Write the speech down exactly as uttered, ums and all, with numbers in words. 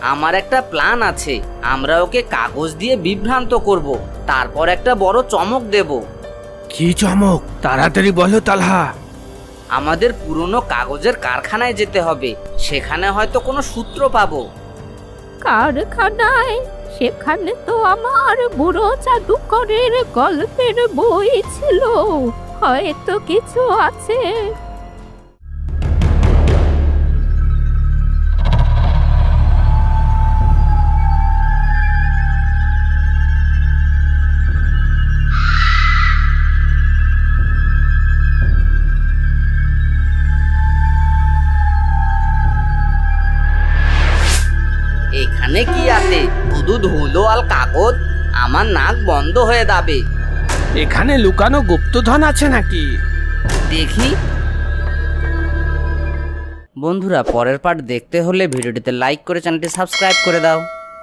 আমার একটা প্ল্যান আছে। আমরা ওকে কাগজ দিয়ে বিভ্রান্ত করব, তারপর একটা বড় চমক দেব। কি চমক? তাড়াতাড়ি বলো তালহা। আমাদের পুরনো কাগজের কারখানায় যেতে হবে, সেখানে হয়তো কোনো সূত্র পাবো। কারখানায়? সেখানে তো আমার বুড়ো জাদুকরের গল্পের বই ছিল, হয়তো কিছু আছে। এখানে কি আছে? শুধু ধুলো আর কাগজ। আমার নাক বন্ধ হয়ে যাবে। এখানে লুকানো গুপ্তধন আছে নাকি? দেখি। বন্ধুরা, পরের পার্ট দেখতে হলে ভিডিওটিতে লাইক করে চ্যানেলটি সাবস্ক্রাইব করে দাও।